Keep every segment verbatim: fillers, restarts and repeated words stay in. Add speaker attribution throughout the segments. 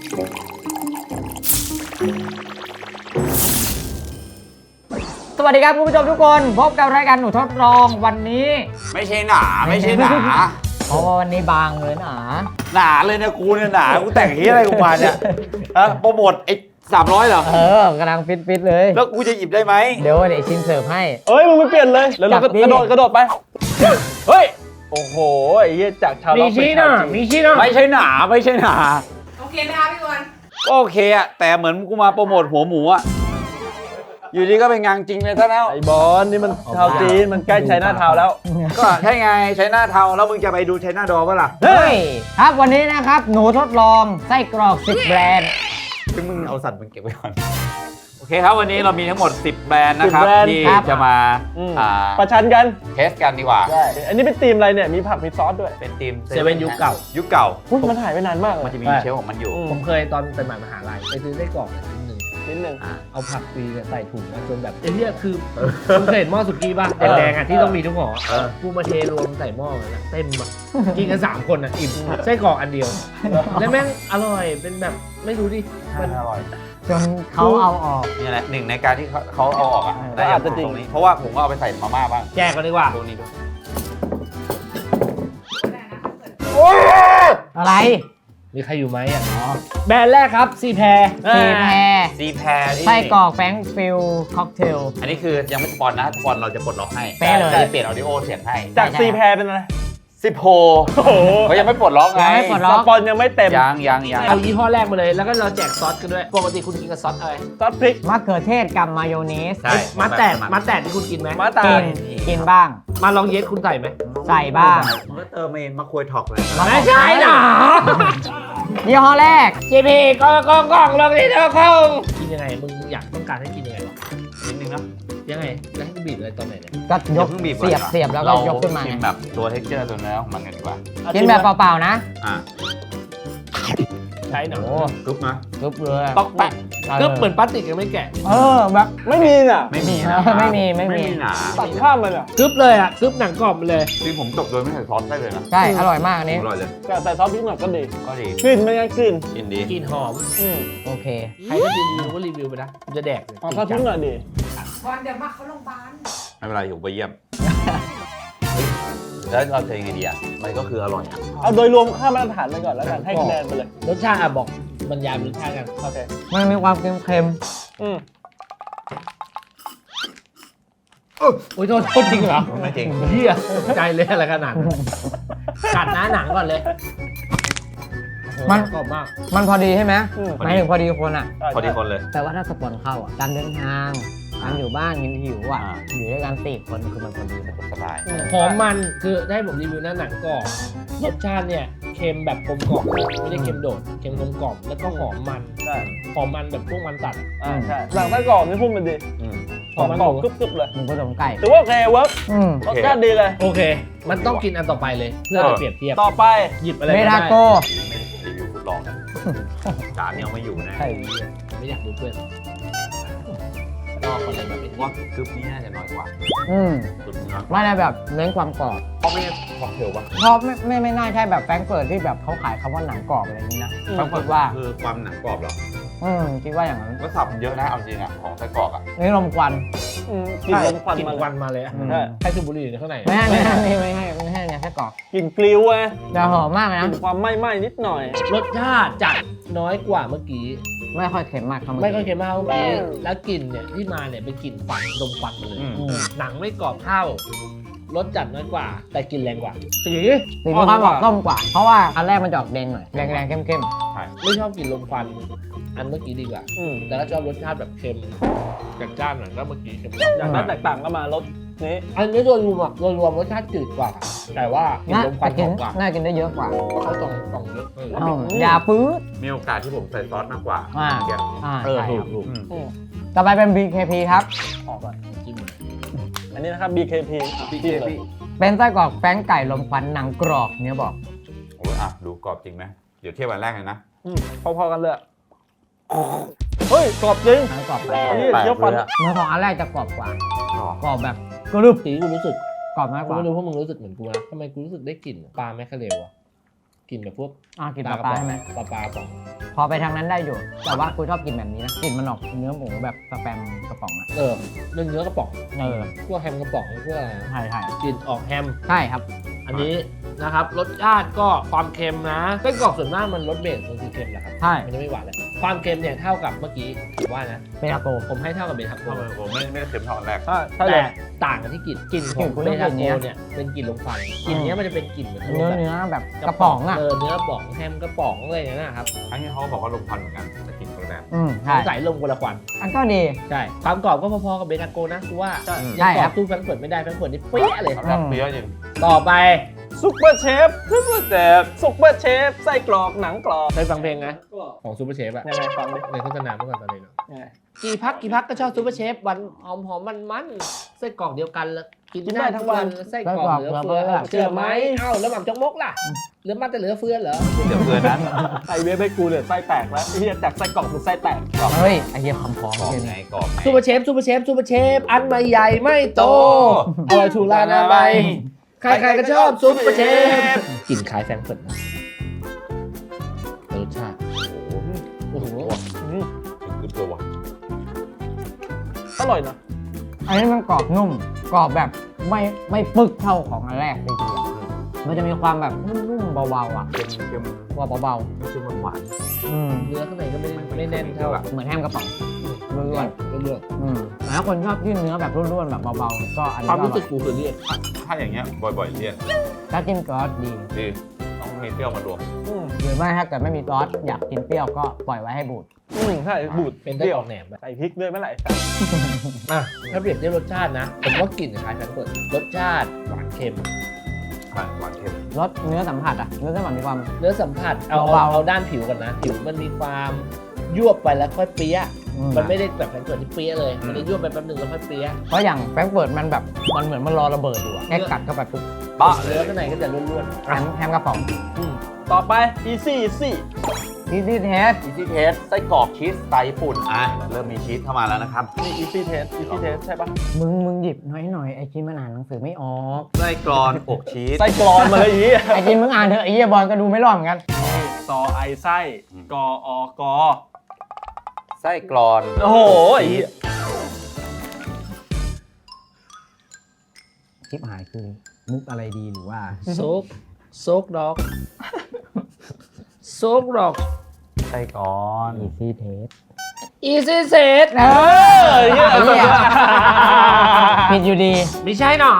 Speaker 1: สวัสดีครับคุณผู้ชมทุกคนพบกับรายการหนูทดลองวันนี้
Speaker 2: ไม่ใช่หนาไม่ใช่หนา
Speaker 1: เพราะว่าวันนี้บางเลยหนา
Speaker 2: หนาเลยนะกูเนี่ยหนากูแต่งที่อะไรกูมาเนี่ยฮะโปรโมทไอ้สามร้อยเหรอ
Speaker 1: เออกำลังฟิตฟิตเลย
Speaker 2: แล้วกูจะหยิบได้ไหม
Speaker 1: เดี๋ยวเดี๋ยวชินเสิร์ฟให้
Speaker 3: เอ้ยมึงไปเปลี่ยนเลยแล้วเรากระโดดกระโดดไปเฮ้ยโอ้โหไอ้เหี้ยจากชาวล็อกเป็นชาวจีน
Speaker 1: มีชี้นะ
Speaker 2: ไม่ใช่หนาไม่ใช่หนา
Speaker 4: โอเคไหมคะพี่บอล
Speaker 2: ก็โอเคอะแต่เหมือนกูมาโปรโมทหัวหมูอะอยู่ดีก็เป็นงานจริงเลยซะแล้ว
Speaker 3: ไอ้บอลนี่มันชาวจีนมันใกล้ไชน่าทาวน์แล้ว
Speaker 2: ก็ใช่ไงใช้หน้าเทาแล้วมึงจะไปดูใช้หน้าดอป่ะล่ะ
Speaker 1: เฮ้ยครับวันนี้นะครับหนูทดลองไส้กรอกสิบแบรนด์
Speaker 2: ซึ่งมึงเอาสัตว์มึงเก็บไว้ก่อนโอเคครับวันนี้เรามีทั้งหมดสิบแบรนด์นะครับที่จะมา
Speaker 3: ประชันกัน
Speaker 2: เทสกันดีกว่า
Speaker 3: ใช่อันนี้เป็นทีมอะไรเนี่ยมีผักมีซอสด้วย
Speaker 2: เป็นทีม
Speaker 1: เซเว่นยุคเก่า
Speaker 2: ยุคเก่า
Speaker 3: มันหายไปนานมาก
Speaker 2: มันจะมีเชลของมันอยู่
Speaker 1: ผมเคยตอนเป็นมหาลัยไปซื้อไส้กรอกชิ้นหนึ่ง
Speaker 3: นิดนึง
Speaker 1: เอาผักฟรีใส่ถุงจนแบบไอ้เนี่ยคือคุณเคยเห็นหม้อสุกี้ป่ะแดงๆอ่ะที่ต้องมีทุกห่อกูมาเทรวมใส่หม้อเลยนะเต็มอ่ะกินกันสามคนอ่ะอิ่มไส้กรอกอันเดียวแล้วแม่งอร่อยเป็นแบบไม่รู้ดิ
Speaker 2: มันอร่อย
Speaker 1: จนเขาเอาออก
Speaker 2: นี่แหละหนึ่งในการที่เขาเอาออกอ่ะได้อาจจะจริงเพราะว่าผมก็เอาไปใส่มาม่าบ้าง
Speaker 1: แจกกันดีกว่า
Speaker 2: ตัวนี้ด้วย
Speaker 1: อะไรมีใครอยู่ไหมอ่ะแบรนด์แรกครับซีแพรซีแพร
Speaker 2: ซีแพร
Speaker 1: ไส้กรอกแฟรงค์ฟิลค็อกเทล
Speaker 2: อันนี้คือยังไม่สปอนนะสปอนเราจะปลดล็อกให้
Speaker 1: เป๊ะเลย
Speaker 2: เปลี่ยนออดิโอเสียงให้
Speaker 3: จากซีแพรเป็นอะไร
Speaker 2: สิบโฮเขายังไม่ปลดล็อกไง
Speaker 3: สปอนยังไม่เต็ม
Speaker 2: ยังยังยัง
Speaker 1: เอายี่ห้อแรกมาเลยแล้วก็เราแจกซอสกันด้วยปกติคุณกินกับซอสอะไร
Speaker 3: ซอสพริก
Speaker 1: มะเขือเทศกับมายองเนสมะแตดมะแตดที่คุณกินไหม
Speaker 3: มะแตด
Speaker 1: กินบ้างมาลองเยสคุณใส่ไหมใส่บ้าง
Speaker 2: มันก็เติมเองมะควยถอกเลย
Speaker 1: ไม่ใช่หรอยี่ห้อแรก จี พี ก็กองกองลงที่เธอเข้ากินยังไงมึงอยากต้องการให้กินยังไงวะ
Speaker 2: นิดนึงนะ
Speaker 1: ยังไงแล้วให้บีบอะไรตอนไหนเนี่ยก็ยกเสียบเสียบแล้วก็ยกขึ้นมา
Speaker 2: กินแบบตัวเท็กเจอร์ตัวเนื้อของมันกันดีกว่า
Speaker 1: กินแบบเปล่าๆนะ
Speaker 2: อ่า
Speaker 1: ใช่หนู
Speaker 2: กึ๊บนะ
Speaker 1: กึ๊บเลย
Speaker 2: ต๊อกแปะ
Speaker 1: กึ๊บเหมือนพลาสติกยังไม่แกะ
Speaker 3: เออแบบไม่มีน่ะ
Speaker 2: ไม่มีนะ
Speaker 1: ไม่มีไม่มี
Speaker 2: หนา
Speaker 3: ตัดข้ามมันอ่ะ
Speaker 1: กึ๊บเลยอ่ะกึ๊บหนังกรอบเลย
Speaker 2: จริงผมจบโดยไม่ใส่ซอสได้เลยนะ
Speaker 1: ใช่อร่อยมากอันนี้
Speaker 2: อร่อยเลย
Speaker 3: แต่ใส่ซอสพริกหน่อยก็ดี
Speaker 2: ก็ดี
Speaker 3: กลิ่นมันยังกลิ่น
Speaker 2: กลิ่นดี
Speaker 1: กลิ่นหอม
Speaker 3: อืม
Speaker 1: โอเคใครก็รีวิวก็รีวิวไปนะจะแดกเลย
Speaker 3: ซอสพริกหน่อยดี
Speaker 4: ก่อนเดี๋ยวมาเขาโรงพยาบาล
Speaker 2: ไม่เป็นไรอยู่ไปเยี่ยมแล้วเราจะยังไงดีอ่ะมันก็คืออร่อย
Speaker 3: เอาโดยรวมค่ามาตรฐานไปก่อนแล้วกันให้คะแนนไปเลย
Speaker 1: รสชาติอ่ะบอกบรรยายรสชาติกัน
Speaker 3: โอเค
Speaker 1: มันมีความเค็ม
Speaker 3: ๆอืม
Speaker 1: โอ้ยโทษจริงเหรอ
Speaker 2: ไม่จริง
Speaker 1: เฮียใจเลยอะไรขนาดนั้นกัดหน้าหนังก่อนเลยมันกรอบมากมันพอดีใช่ไหมหมายถึงพอดีคนอ่ะ
Speaker 2: พอดีคนเลย
Speaker 1: แต่ว่าถ้าสปอนเข้าอ่ะการเดินทางการอยู่บ้านกินหิวอ่ะอยู่ด้วยกันสี่คนคือมันพอดี
Speaker 2: สบาย
Speaker 1: หอมมันคือได้ผมรีวิวหน้าหนังกรอบรสชาติเนี่ยเค็มแบบกลมกล่อมไม่ได้เค็มโดดเค็มกลมกล่อมแล้วก็หอมมัน
Speaker 3: ใช่
Speaker 1: หอมมันแบบพวกมันตัด
Speaker 3: อ่าใช่หลังไส้กรอกนี่พูดมันดีหอมกรอบกรึบๆเลย
Speaker 1: มันผสมไก่
Speaker 3: ถือว่าโอเคเวิร์กรสชาติดีเลย
Speaker 1: โอเคมันต้องกินอันต่อไปเลยเพื่อเปรียบเทียบ
Speaker 3: ต่อไป
Speaker 1: หยิบอะไรเมทาโก
Speaker 2: รีวิวทดลองจานนี้เอาไม่อยู่นะ
Speaker 1: ใช่ไม่อยากดูเพื่อนนอกอะไรแบบนี้
Speaker 2: ว่ากึ๊บนี่น่าจะน้อยกว่า
Speaker 1: อืมไม่ได้แบบเน้นความกรอบ
Speaker 2: เพราะไม่ค็อกเทลป่ะ
Speaker 1: เพราะไม่ไม่ไม่น่าใช่แบบแฟรงก์เฟิร์ตที่แบบเขาขายคำว่าหนังกรอบอะไรนี้นะ
Speaker 2: แฟรงก์เฟิร์ตว่าคือความหนังกรอบเหรอ
Speaker 1: อืมคิดว่าอย่างนั้น
Speaker 2: ก็สับเยอะนะเอาจริงอ่ะของไส้กรอกอ่ะ
Speaker 1: นี่ลมควัน
Speaker 3: กินลมควัน
Speaker 1: กินควันมาเลยให้สูบบุหรี่ในข้างในไม่ให้ไม่ให้ไม่ให้ไม่ให้เนี่ยไส้กรอก
Speaker 3: กลิ่นกลิ้วไง
Speaker 1: แต่หอมมากนะ
Speaker 3: ความไหม้ไหม้นิดหน่อย
Speaker 1: รสชาติจัดน้อยกว่าเมื่อกี้ไม่ค่อยเค็มมากครับไม่ค่อยเค็มมากเมื่อกี้แล้วกลิ่นเนี่ยที่มาเนี่ยเป็นกลิ่นควันดมควันมาเลยหนังไม่กรอบเท่ารสจัดน้อยกว่าแต่กลิ่นแรงกว่าสีสีมีความออกส้มกว่าเพราะว่าอันแรกมันจะออกแดงหน่อยแรงๆเข้มๆไม่ชอบกลิ่นลมควันอันเมื่อกี้ดีกว่าแต่ก็ชอบรสชาติแบบเค็มจัดจ้านหน่อยก็เมื่อกี้เค็ม
Speaker 3: อย่างนั้นแตกต่างกันมารสนี้
Speaker 1: อันนี้โดยรวมอะโดยรวมรสชาติจืดกว่าแต่ว่ากลิ่นลมควันหอมกว่าน่ากินได้เยอะกว่าเขาต้องต้องเยอะอย่าปื้ด
Speaker 2: มีโอกาสที่ผมใส่ซอสมากกว่า
Speaker 1: เออถูกถูกต่อไปเป็น บี เค พี ครับ
Speaker 3: ออกก่อนจิ้มอันนี้นะครับ บี เค พี
Speaker 2: บี เค พี
Speaker 1: เป็นไส้กรอกแป้งไก่ลมควันหนังกรอบเนี่ยบอก
Speaker 2: โอ้ยอ่ะดูกรอบจริงไหมเดี๋ยวเทียบวันแรกเลยนะ
Speaker 3: พอๆกันเลยเฮ้ยกรอบจริง
Speaker 1: กรอบไป
Speaker 3: นี่เคี้ยวฟัน
Speaker 1: เมื่อของอันแรกจะกรอบกว่ากรอบแบบกรึบสีกูรู้สึกกรอบมากกว่าไม่รู้พวกมึงรู้สึกเหมือนกูนะทำไมกูรู้สึกได้กลิ่นปลาแมคคาเรลอะกลิ่นแบบพวก
Speaker 3: อ่ะ
Speaker 1: กลิ่นปลาปลาใช่ไหมปลาปลาป่อง
Speaker 5: พอไปทางนั้นได้อยู่ แต่ว่ากูชอบกินแบบนี้นะกลิ่นมันออกเนื้อหมูแบบสแปมกระป๋องอะ
Speaker 1: เออเนื้อเนื้อกระป๋อง
Speaker 5: เออ
Speaker 1: พวกแฮมกระป๋องพวกอะไร
Speaker 5: ใช่ใช่
Speaker 1: กลิ่นออกแฮม
Speaker 5: ใช่ครับ
Speaker 1: อันนี้นะครับรสชาติก็ความเค็มนะไส้กรอกส่วนมากมันรสเบสมันคือเค็มแหละครับ
Speaker 5: ใช่
Speaker 1: มันจะไม่หวานเลยความเค็มเนี่ยเท่ากับเมื่อกี้ผมว่านะ
Speaker 5: เบทาโก
Speaker 1: ผมให้เท่ากับเบทาโก
Speaker 2: ทำไมผมไม่ไม่ได้เค็มเท่าอันแรก
Speaker 3: ใช่ใช่เล
Speaker 1: แต่
Speaker 3: ย
Speaker 1: ต่างกันที่กลิ่นกลิ่นข
Speaker 5: กลิ่
Speaker 1: อง
Speaker 5: นคุณ
Speaker 1: เบ
Speaker 5: ต้อง
Speaker 1: ทา
Speaker 5: กิน
Speaker 1: โก
Speaker 5: เนี้ย
Speaker 1: เนี่ยเป็นกลิ่นลมควันกลิ่นเนี้ยมันจะเป็นกลิ่นเหมือน
Speaker 5: เนื้อ
Speaker 1: แบบ
Speaker 5: เนื้อแบบกระป๋องอ่ะ
Speaker 1: เออเนื้อกระป๋องแฮมกระป๋องอะไรอย่างเงี้ยนะครับ
Speaker 2: ทั้งนี้เขาก็บอกว่าลมควันเหมือนกันแต่กลิ่นคนละแบบ
Speaker 5: อืม
Speaker 1: ส
Speaker 5: ใช่
Speaker 1: งสัยลมคนละควัน
Speaker 5: อันก็ดี
Speaker 1: ใช่ความกรอบก็พอๆกับเบทาโกนะกูว่า
Speaker 3: ใช่
Speaker 1: ยังกร
Speaker 5: ใช่ครั
Speaker 1: อบบ สู้แฟรงก์เฟิร์ตไม่ได้แฟรงก์เฟิร์ตนี่เป๊ะเลย
Speaker 2: แบบเปรี้ยวจริง
Speaker 1: ต่อไป
Speaker 3: ซุปเปอร์เชฟซุปเปอร์เชฟซุปเปอร์เชฟไส้กรอกหนังกรอบ
Speaker 1: เคยฟังเพลงไหมของซูเปอร์เชฟอะ
Speaker 3: ยังไงฟังดิ
Speaker 1: ในโฆษณาเมื่อก่อนตอนนี้เนาะ
Speaker 3: ยังไง
Speaker 1: กี่พักกี่พักก็ชอบซูเปอร์เชฟวันหอมหอมมันมันไส้กรอกเดียวกันแล้วกินได้ทั้งวันไส้กรอกเหลือเฟือเชื่อไหมเอ้าแล้วหม่ำจกมกล่ะเหลือมาแต่เหลือเฟือเหรอ
Speaker 2: เดี๋ยวเพื่อนนั้น
Speaker 3: ไอเวฟให้กูเนี่ยไส้แตกแล้วไอ้เหี้ยจากไส้กรอกเป็นไส้แตก
Speaker 5: เฮ้ยไอ้เหี้ยคำพ้อง
Speaker 2: กรอบ
Speaker 5: เหี้ย
Speaker 2: ไง
Speaker 5: นี่
Speaker 2: กรอบไง
Speaker 1: ซูเปอร์เชฟซูเปอร์เชฟซูเปอร์เชฟอันไม่ใหญ่ไม่โตอร่อยถูกลานามัยใครๆก็ชอบซูเปอร์เชฟกลิ่นคล้ายแฟรงก์เฟิร์ตนะแต่รสชาติโอ้โห
Speaker 3: อืม
Speaker 2: ถึงตัวว่ะ
Speaker 3: อร่อยนะ
Speaker 5: อันนี้มันกรอบนุ่มกรอบแบบไม่ไม่ปึกเท่าของอันแรกเลยทีเดียวมันจะมีความแบบนุ่มๆเบาๆอ่ะ
Speaker 2: เค็มเค็ม
Speaker 5: ว่าเบา
Speaker 2: เค็มหวาน
Speaker 5: ๆอืม
Speaker 1: เนื้อข้างในก็ไม่ไม่แน่นเท่า
Speaker 5: เหมือนแฮมกระป๋องร่วน
Speaker 1: เลือก
Speaker 5: ๆอืมแต่ถ้าคนชอบที่เนื้อแบบร่วนๆแบบเบาๆก็อัน
Speaker 1: ค
Speaker 5: นี้
Speaker 1: วาม
Speaker 5: ก็อ
Speaker 1: รู้
Speaker 5: ร่
Speaker 1: สึ
Speaker 5: อก ย
Speaker 1: กูคือเรียก
Speaker 2: ถ้าอย่างเงี้ยบ่อยๆเรียก
Speaker 5: ถ้ากินซอสดี
Speaker 2: ดีต้องมีเปรี้ยวมารวม
Speaker 3: อืม
Speaker 5: หรือไม่ถ้าเกิดไม่มีซอสอยากกินเปรี้ยวก็ปล่อยไว้ให้บูด
Speaker 3: อืมใช่บูด
Speaker 1: เป็นได้
Speaker 3: เดี่ย
Speaker 1: อ
Speaker 3: ว
Speaker 1: อกแหนมแบบ
Speaker 3: ใส่พริกด้วยเมื่อไหร่
Speaker 1: อ่ะถ้าเปรียบเทียบรสชาตินะ ผมว่ากลิ่นคล้ายแฟรงก์เฟิร์ตรสชาติหวานเค็ม
Speaker 2: หวานหวานเค็ม
Speaker 5: รสเนื้อสัมผัสอ่ะเนื้อสัมผัสมีความ
Speaker 1: เนื้อสัมผัสเอา
Speaker 5: เบา
Speaker 1: เอา
Speaker 5: ๆ
Speaker 1: เอาด้านผิวก่อนนะ ผิวมันมีความยวบไปแล้วค่อยเปี้ยะ
Speaker 5: อืม
Speaker 1: มันไม่ได้แบบแฟรงก์เฟิร์ตที่เปี้ยะเลย มันจะยวบไปแป๊บหนึงแล้วค่อยเปี้ยะ
Speaker 5: เพราะอย่างแฟรงก์เฟิร์ตมันแบบมันเหมือนมันรอระเบิดอยู่อะแค่กัดเข้าไปปุ๊บ
Speaker 2: ปะเล
Speaker 1: เนื้อย ข้างในก็จะร่วน
Speaker 5: แฮมแฮมกระป๋อง
Speaker 1: ๆอืม
Speaker 3: ต่อไป easy easy
Speaker 5: อีซี่เทส
Speaker 2: อีซี่เทสไส้กรอกชีสสไตล์ญี่ปุ่นอ่ะเริ่มมีชีสเข้ามาแล้วนะครับ
Speaker 3: นี่ easy taste easy taste ใช่ปะ
Speaker 5: มึงมึงหยิบน้อยหน่อยไอ้กินมันอ่านหนังสือไม่ออก
Speaker 2: ไส้กรอนอกชีส
Speaker 3: ไส้กรอนมาเลยอย่างงี้
Speaker 5: ไอ้กินมึงอ่านเถอะไอ้เหี้ยบอลก็ดูไม่รอดเหมือนกัน
Speaker 3: ซอไอไส้กออกอ
Speaker 2: ไส้กรอน
Speaker 3: โอ้โหไอ้เหี้ย
Speaker 5: คลิปหายคือมุกอะไรดีหรือว่า
Speaker 1: โซกโซกดอกโซกดอก
Speaker 2: ไส้กรอน
Speaker 5: อีซี่เทส
Speaker 1: อีซีเซต
Speaker 5: เออเหี้ยผิดอยู่ดี
Speaker 1: ไม่ใช่หรอ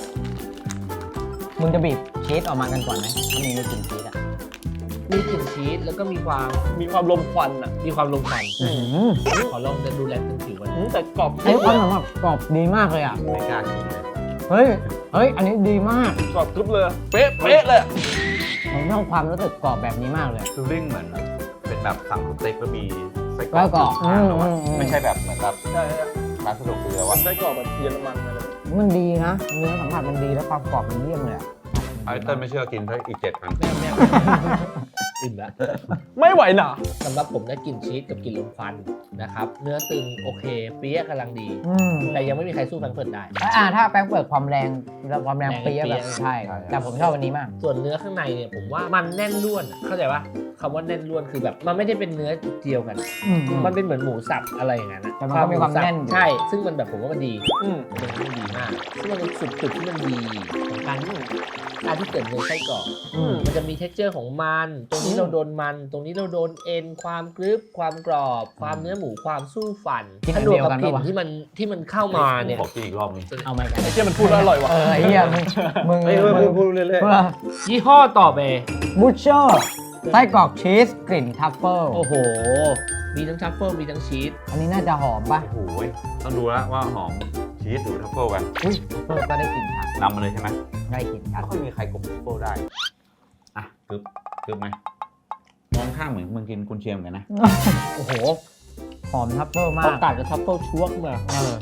Speaker 5: มึงจะบีบชีสออกมากันก่อนไหมถ้ามึงไม่กินชีสอ่ะ
Speaker 1: มีกลิ่นชีสแล้วก็มีความ
Speaker 3: มีความลมควันอ่ะ
Speaker 1: มีความลงควัน
Speaker 5: อื้อหือ
Speaker 1: ขอลองจะดูแลเป็นผิวกัน
Speaker 3: อืมแต่กรอบ
Speaker 5: ไอ้ความแบบกรอบดีมากเลยอ่ะ
Speaker 2: ไม่กล้ากินเลย
Speaker 5: เฮ้ย เฮ้ย อันนี้ดีมาก
Speaker 3: กรอบกรึบเลย เป๊ะเป๊ะเลย
Speaker 5: ผมชอบความรู้สึกกรอบแบบนี้มากเลย
Speaker 2: ฟิลลิ่งเหมือนเป็นแบบสั่งสเต็กแล้วมีไส้กร
Speaker 5: ไส้
Speaker 2: อก
Speaker 5: กรอก
Speaker 2: ข้างๆแล้วอะ
Speaker 5: อืมอืม
Speaker 2: ไม่ใช่แบบเหมือนแบบ
Speaker 3: ใช่ใช่
Speaker 2: ร้านสะดวกซื้อแล้ว
Speaker 3: มั
Speaker 2: อะ
Speaker 3: นไส้กรอบแบบเยอรมันอะไร
Speaker 5: มันดีนะ เนื้อสัมผัสมันดีแล้วความกรอบมันเยี่ยมเลยอ่ะ
Speaker 2: ไอเติ้ลไม่เชื่อกินเท่าอีกเจ็ดอัน
Speaker 1: แม่แม่อิ่มแล้ว
Speaker 3: ไม่ไหวหนา
Speaker 1: สำหรับผมนะกลิ่นชีสกับกลิ่นลมควันนะครับ เนื้อตึงโอเค เปี๊ยะกำลังดี
Speaker 5: อืม
Speaker 1: แต่ยังไม่มีใครสู้แฟรงก์เฟิร์ตได้
Speaker 5: อ่าถ้าแป้งเปิดความแรงแล้วความแรง
Speaker 1: แรง
Speaker 5: เปรี้ย
Speaker 1: เปรี้
Speaker 5: แบ
Speaker 1: ย
Speaker 5: บใช่ แต่ผมชอบวันนี้มาก
Speaker 1: ส่วนเนื้อข้างในเนี่ยผมว่ามันแน่นล้วนอะเข้าใจปะคำว่าแน่นล้วนคือแบบมันไม่ได้เป็นเนื้อเดียวกัน
Speaker 5: อืม
Speaker 1: มันเป็นเหมือนหมูสับอะไรอย่างนั้นอะ
Speaker 5: แต่มันก็มีความ
Speaker 1: หสับ
Speaker 5: แน่นอยู่
Speaker 1: ใช่ ซึ่งมันแบบผมว่ามันดี
Speaker 3: อืม
Speaker 1: มันเป็นเรื่องที่ดีมาก ซึ่งมันเป็นจุดจุดที่มันดีของการที่การที่เกิดเนื้อไส้กรอก
Speaker 5: อืม
Speaker 1: มันจะมี texture ของมัน ตรงนี้เราโดนมัน ตรงนี้เราโดนเอ็น ความกรึบ ความกรอบ ความเนื้อหมู ความสู้ฟัน
Speaker 5: กินอั
Speaker 1: ถ้าน รว
Speaker 5: เดี
Speaker 1: ม
Speaker 5: ยว
Speaker 1: กับ
Speaker 5: กัน
Speaker 1: กลิ่น
Speaker 5: ปะวะ
Speaker 1: ที่มันที่มันเข้ามาเนี่ย
Speaker 2: ขอกินอีกรอบนึง
Speaker 5: เอาไหมกัน
Speaker 3: ไอ้เชี่ยมันพูดแล้วอร่อยว่ะ
Speaker 5: เออไอ้เหี้ยมึงมึง
Speaker 3: เฮ้ย
Speaker 5: มึง
Speaker 3: พูดพูดเรื่อย
Speaker 5: เพื่อ
Speaker 1: ยี่ห้อต่อไป
Speaker 5: บูชเชอร์ไส้กรอกชีสกลิ่นทัฟเฟิล
Speaker 1: โอ้โห มีทั้งทัฟเฟิลมีทั้งชีส
Speaker 5: อันนี้น่าจะหอมป่ะ
Speaker 2: โอ้โหต้องดูแล้วว่าหอมชีสหรือทัฟเฟิลกัน
Speaker 5: อุ้ยทัฟเฟิลก็ได้กลิ่นชัด
Speaker 2: นำมาเลยใช่ไหม
Speaker 5: ได้กลิ่นชัด
Speaker 2: ไม่ค่อยมีใครกลมทัฟเฟิลได้ อ่ะกึบกึบไหมมองข้างเหมือนมึงกินกุนเชียงเหมือนกันนะ
Speaker 1: โอ้โห
Speaker 5: หอมทัฟเฟิลมา
Speaker 1: พอก กัดกับทัฟเฟิลชวกมา
Speaker 5: เออ
Speaker 3: ๆเอ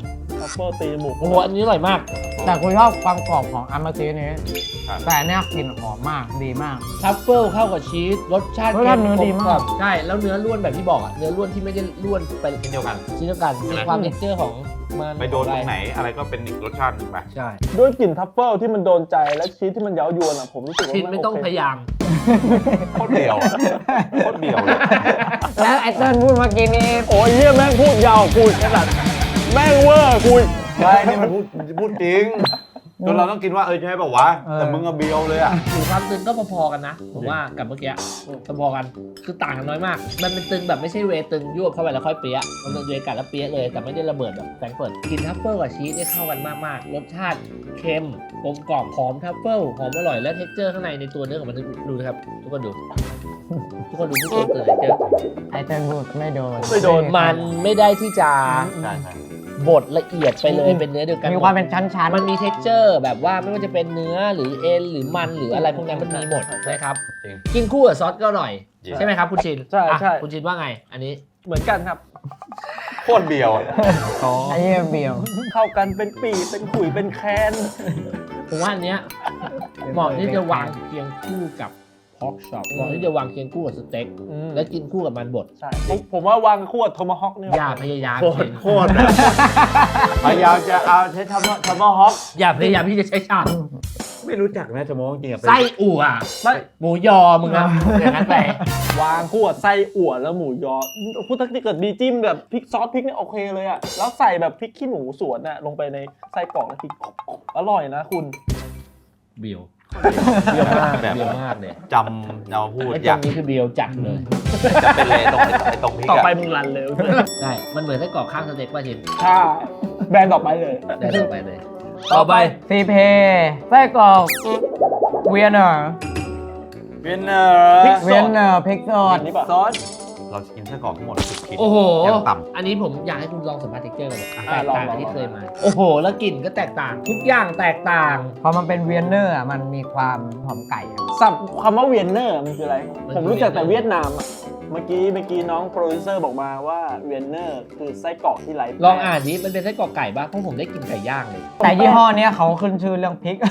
Speaker 3: ทัฟเฟิลตีหมู
Speaker 1: โอ้โหอันนี้อร่อยมาก
Speaker 5: แต่กูชอบความกรอบของอามาซีนี้
Speaker 2: ครับ
Speaker 5: แต่อันเนี้ยกลิ่นหอมมากดีมาก
Speaker 1: ทัฟเฟิลเข้ากับชีสรสชาติ
Speaker 5: รสชาติเนื้อดีมาก
Speaker 1: กลล่อใช่แล้วเนื้อล้วนแบบที่บอกอ่ะเนื้อล้วนที่ไม่ได้ล้วนไป
Speaker 2: เช่นเดียวกัน
Speaker 1: ชิ้นเดียวกันมีความเท็กเจอร์ของมัน
Speaker 2: ไปโดนตรงไหนอะไรก็เป็นอีกรสชาติหนึงไป
Speaker 1: ใช่
Speaker 3: ด้วยกลิ่นทัฟเฟิลที่มันโดนใจและชีสที่มันเย้ายวนอ่ะผมรู้สึกว่า
Speaker 1: ชินไม่ต้อง
Speaker 3: โเค
Speaker 1: พยายาม
Speaker 2: โคตรเดียวอะโคตรเดียวเลย
Speaker 5: แล้วไอ้เติ้ลพูดเมื่อกี้นี้
Speaker 3: โอ้ยเหี้ยแม่งพูดยาวคุยขนาดแม่งเวอร์คุย
Speaker 2: ใช่นี่มันพูดพูดจริงจนเราต้องกินว่าเออใช่ป่าววะแต่มึงอะเบียวเลยอะ
Speaker 1: หรือความตึงก็พอๆกันนะผมว่ากับเมื่อกี้พอๆกันคือต่างกันน้อยมาก มันเป็นตึงแบบไม่ใช่เวย์ตึงยวบเข้าไปแล้วค่อยเปี้ยะมันเป็นเวย์กัดแล้วเปี้ยะเลยแต่ไม่ได้ระเบิดแบบแฟรงก์เฟิร์ตกินทัฟเฟิลกับชีสได้เข้ากันมากๆรสชาติเค็มกลมกล่อมหอมทัฟเฟิลหอมอร่อยและเท็กเจอร์ข้างในในตัวเนื้อของมันดูนะครับทุกคนดูทุกคนดูทุกคนเกิดเจอ
Speaker 5: ไอ้เติ้ลพูดไม่โดน
Speaker 3: ไม่โดน
Speaker 1: มันไม่ได้ที่จะ
Speaker 2: ใช่ใช่
Speaker 1: บดละเอียดไปเลยเป็นเนื้อเดียวกัน
Speaker 5: มีความเป็นชั้นๆ
Speaker 1: มันมีเท็กเจอร์แบบว่าไม่ว่าจะเป็นเนื้อหรือเอ็นหรือมันหรืออะไรพวกนั้นมันมีหมดนะครับ
Speaker 2: จริง
Speaker 1: กินคู่กับซอสก็อร่อย
Speaker 2: จริง
Speaker 1: ใช่ไหมครับคุณชิน
Speaker 3: ใช่ใช่
Speaker 1: อ่ะคุณชินว่าไง อันนี้
Speaker 3: เหมือนกันครับ
Speaker 2: โคตรเบียวอะ
Speaker 5: ไอ้เหี้ยเบียว
Speaker 3: เข้ากันเป็นปีเป็นขุยเป็นแคน
Speaker 1: ผมว่าอันเนี้ยเหมาะที่จะวางเคียงคู่กับพอกช็อปเหมาะที่จะวางเคียงคู่กับสเต็กและกินคู่กับมันบด
Speaker 3: ใช่ผมผมว่าวางขวดโทมาฮอกเนี่ย
Speaker 1: อย่าพยายาม
Speaker 2: โคตรโคตรอะพยายามจะเอาใช้ทำว่าทำว่าฮอก
Speaker 1: อย่าพยายามที่จะใช้ชาม
Speaker 2: ไม่รู้จักนะจะมองจริงอะ
Speaker 1: ไส้อั่ว
Speaker 3: ไม่
Speaker 1: หมูยอมึงอะอย่างนั้นไป
Speaker 3: วางขวดไส้อั่วแล้วหมูยอพูดถ้าเกิดมีจิ้มแบบพริกซอสพริกเนี่ยโอเคเลยอะแล้วใส่แบบพริกขี้หนูสวนน่ะลงไปในไส้กรอกแล้วกินอร่อยนะคุณ
Speaker 1: เบียว
Speaker 2: เบียวมากแบบ
Speaker 1: เบียวมากเลย
Speaker 2: จำเราพูด
Speaker 1: ไอ้
Speaker 2: อ
Speaker 1: ตร
Speaker 2: ยาก
Speaker 1: งนี้คือเบียวจัดเลย
Speaker 2: จะเป็นเลยตรงไอ้ตรงพริก
Speaker 3: ต่อ
Speaker 2: อะ
Speaker 3: ไปมึงรันเลย
Speaker 1: ใช่มันเหมือนไส้กรอกข้างสเต็กป่ะชิน
Speaker 3: ใช่แบรนด์ต่อไปเลย
Speaker 1: ได้ต่อไปเลย ต่อไป
Speaker 5: ซีเพไส้กรอกเวียนเนอร์
Speaker 2: เวียนเนอร์
Speaker 5: เวียนเนอร์พริกสด
Speaker 3: อันนี้ป่ะ
Speaker 2: ซอสเราจะกินไส้กรอกทั้งหมดสิบชิ้น
Speaker 1: โอ้โห
Speaker 2: ยังต่ำ
Speaker 1: อันนี้ผมอยากให้คุณลองสัมผัสเท็กเจอร์กันเลย
Speaker 3: อ่ะ
Speaker 1: แตก
Speaker 3: ลอง
Speaker 1: ต่าง
Speaker 3: ลอง
Speaker 1: กับที่เคยมา โอ้โห แล้วกลิ่นก็แตกต่าง ทุกอย่างแตกต่าง
Speaker 5: พอมันเป็นเวียนเนอร์อะมันมีความหอมไก่อะ
Speaker 3: สับคำว่าเวียนเนอร์มันคืออะไร
Speaker 1: มัน
Speaker 3: ผม
Speaker 1: คือ
Speaker 3: รู้จักแต่
Speaker 1: เวี
Speaker 3: เวี
Speaker 1: ย
Speaker 3: ย
Speaker 1: ดนาน
Speaker 3: ดาม มอ่ะ เมื่อกี้เมื่อกี้น้องโปรดิวเซอร์บอกมาว่าเวียนเนอร์คือไส้กรอกที่ไร้แป้
Speaker 1: ลองอ่านดิมันเป็นไส้กรอกไก่ป่ะเพราะผมได้กินไก่ย่างเลย
Speaker 5: แต่ยี่ห้อเนี้ยเขาขึ้นชื่อเรื่องพริก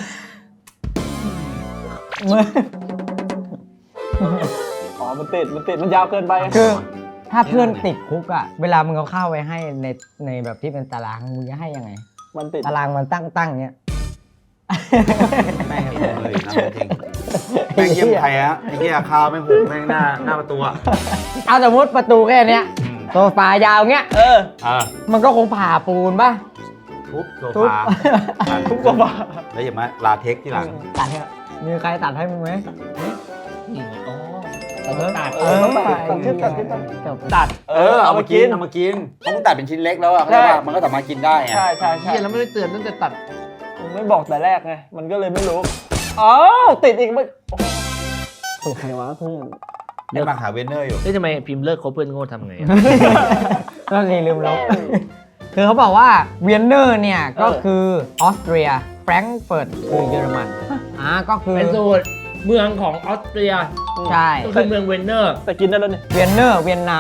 Speaker 5: มือ
Speaker 3: อ๋อมันติดมันติดมันยาวเกินไป
Speaker 5: คือถ้าเพื่อนติดคุกอ่ะ เวลามึงเอาข้าวไว้ให้ในในแบบที่เป็นตารางมึงจะให้ยังไง
Speaker 3: มันติด
Speaker 5: ตารางมันตั้งตั้งๆเนี้ย
Speaker 2: แม่งเห็นเลยนะจริงแม่งเยี่ยมไทยฮะไอ้เหี้ยคาวแม่งโหแม่งหน้าหน้าประตูอะ
Speaker 5: เอาสมมติประตูแค่เนี้ย
Speaker 2: อืม
Speaker 5: โซฟายาวเงี้ย
Speaker 3: เออ
Speaker 2: เออ
Speaker 5: มันก็คงผ่าปูนป่ะ
Speaker 2: ทุบโซ
Speaker 5: ทุบ
Speaker 2: ฟาอ่ะ
Speaker 3: ทุกตัวบ้า
Speaker 2: แล้วอย่ามาลาเทคที่หลัง
Speaker 5: ตัดให้มีใครตัดให้มึงไหม
Speaker 1: นี่ไงอ๋อเราต้องตัด
Speaker 3: เออต้องตัดตัดที่ตัดที่ตัด
Speaker 5: จบ
Speaker 1: ตัด
Speaker 2: เออเอามากินเอามากินเพราะมึงตัดเป็นชิ้นเล็กแล้วอะ
Speaker 3: ใช่
Speaker 2: เข้าใจป่ะมันก็สามารถกินได้ไง
Speaker 3: ใช่ใช่ใช่
Speaker 1: เฮียแล้วไม่ได้เตือนตั้งแต่ตัด
Speaker 3: ผมไม่บอกแต่แรกไง มันก็เลยไม่รู้ อ๋อ ติดอีกไม่โอ้โหใครวะเพื่อน
Speaker 2: นี่มาหาเวนเนอร์อยู่
Speaker 1: เฮ้ยทำไมพิมพ์เลิกคบเพื่อนโง่ทำไงอะ
Speaker 5: ก็รีลืมลบคือเขาบอกว่าเวียนเนอร์เนี่ย ก็คือออสเตรียแฟรงก์เฟิร์ตคือเยอรมันอ่าก็คือ
Speaker 1: เป็นสูตรเมืองของออสเตรีย
Speaker 5: ใช่
Speaker 1: ก็คือเมืองเวนเนอร์
Speaker 3: แต่กินได้แล้วนี่
Speaker 5: เวียนเนอร์เวียนนา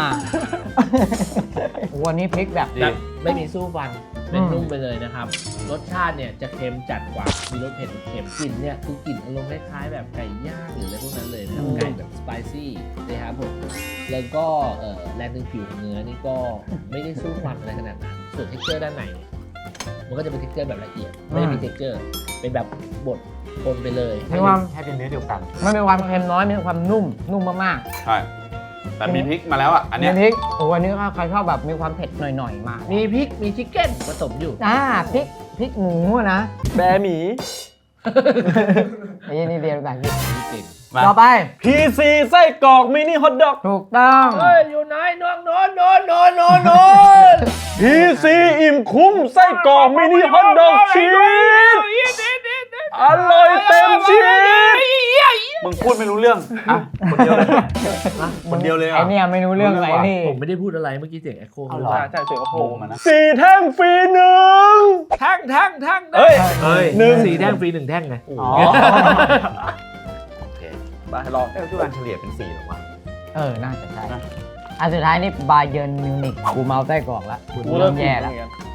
Speaker 5: วันนี้พริกแบบ
Speaker 1: แบบไม่มีสู้ฟัน เป็น
Speaker 5: อืม
Speaker 1: นุ่มไปเลยนะครับ รสชาติเนี่ยจะเค็มจัดกว่า มีรสเผ็ดเค็มกลิ่นเนี่ยคือกลิ่นอารมณ์คล้ายๆแบบไก่ย่างหรืออะไรพวกนั้นเลยนะครับไก่แบบสไปซี่นะครับผม แล้วก็เอ่อแรงดึงผิวของเนื้อนี่ก็ไม่ได้สู้ฟันอะไรขนาดนั้น ส่วนเท็กเจอร์ด้านในเนี่ยมันก็จะเป็นเท็กเจอร์แบบละเอียด ไม่ได้มีเท็กเจอร์ เป็นแบบบดคนไปเลย
Speaker 5: มีความ
Speaker 2: ให้เป็นเนื้อเดียวกัน
Speaker 5: มันมีความเค็มน้อยมีความนุ่มนุ่มมาก
Speaker 2: ใช่แต่มีพริกมาแล้วอ่ะอัน
Speaker 5: ๆ
Speaker 2: เนี้ย
Speaker 5: มีพริกโอ้วันนี้ใครชอบแบบมีความเผ็ดหน่อยๆมา
Speaker 1: มีพริก มีชิคเก้นผสมอยู่
Speaker 5: อ่าพริกพริกหมูอะนะ
Speaker 3: แบหมี
Speaker 5: ไอ้ยี่นี่เดียวกัน
Speaker 1: มีกลิ่น
Speaker 2: มา
Speaker 5: ต่อไป
Speaker 3: พี ซี ไส้กรอกมินิฮอทดอก
Speaker 5: ถูกต้อง
Speaker 1: เฮ้ย อยู่ไหนน้องโนนโนนโนนโนนโนน
Speaker 3: พี ซี อิ่มคุ้มไส้กรอกมินิฮอทดอกชีสอร่อยเต็มชีส
Speaker 2: มึงพูดไม่รู้เรื่องอ่ะคนเดียวเลยคนเดียวเลยอ่ะ
Speaker 5: ไอเนี่ยไม่รู้เรื่องอะไรนี่
Speaker 1: ผมไม่ได้พูดอะไรเมื่อกี้เสียงเอ็โค
Speaker 2: เอาเหรอ
Speaker 3: ใช่ใช่เสียงโอ้โห
Speaker 2: โอ้มานะ
Speaker 3: สี่แท่งฟรีหนึ่ง
Speaker 1: แท่งแท่งแท่ง
Speaker 3: เฮ้ย
Speaker 1: เฮ้ย
Speaker 3: หนึ่ง
Speaker 1: สี่แท่งฟรีหนึ่งแท่งไง
Speaker 5: อ๋อ
Speaker 2: โอเค
Speaker 3: ไปลอง
Speaker 2: เอ้ยทุกวันเฉลี่ยเป็นสี่หรอวะ
Speaker 5: เออ น่าจะใช่
Speaker 2: นะ
Speaker 5: อันสุดท้ายนี่บาเยิร์นมิวนิกกูเมาไส้กรอกละกู
Speaker 3: กู
Speaker 5: เริ่
Speaker 3: เริ่
Speaker 5: ม
Speaker 3: ม
Speaker 5: แย่
Speaker 3: แย่
Speaker 5: แล้
Speaker 3: แล้ว ว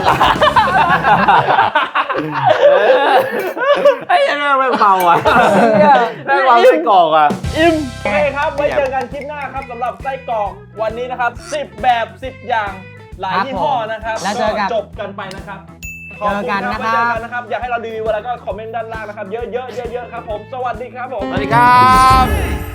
Speaker 2: ไอ้ยังแม่งไม่เมาอ่ะแม่งเมาไส้กรอกอ่ะ
Speaker 3: อิ่มโอเคครับไว้เจอกันคลิปหน้าครับสำหรับไส้กรอกวันนี้นะครับสิบแบบสิบอย่างหลายยี่ห้อนะครับ
Speaker 5: แล้วเจอกัน
Speaker 3: จบกันไปนะครับ
Speaker 5: เจอกันนะค
Speaker 3: ไว้
Speaker 5: รั
Speaker 3: เจอบ กันนะครับอยากให้เรารีวิวอะไรก็คอมเมนต์ด้านล่างนะครับเยอะๆเยอะๆครับผมสวัสดีครับผม
Speaker 2: สวัสดีครับ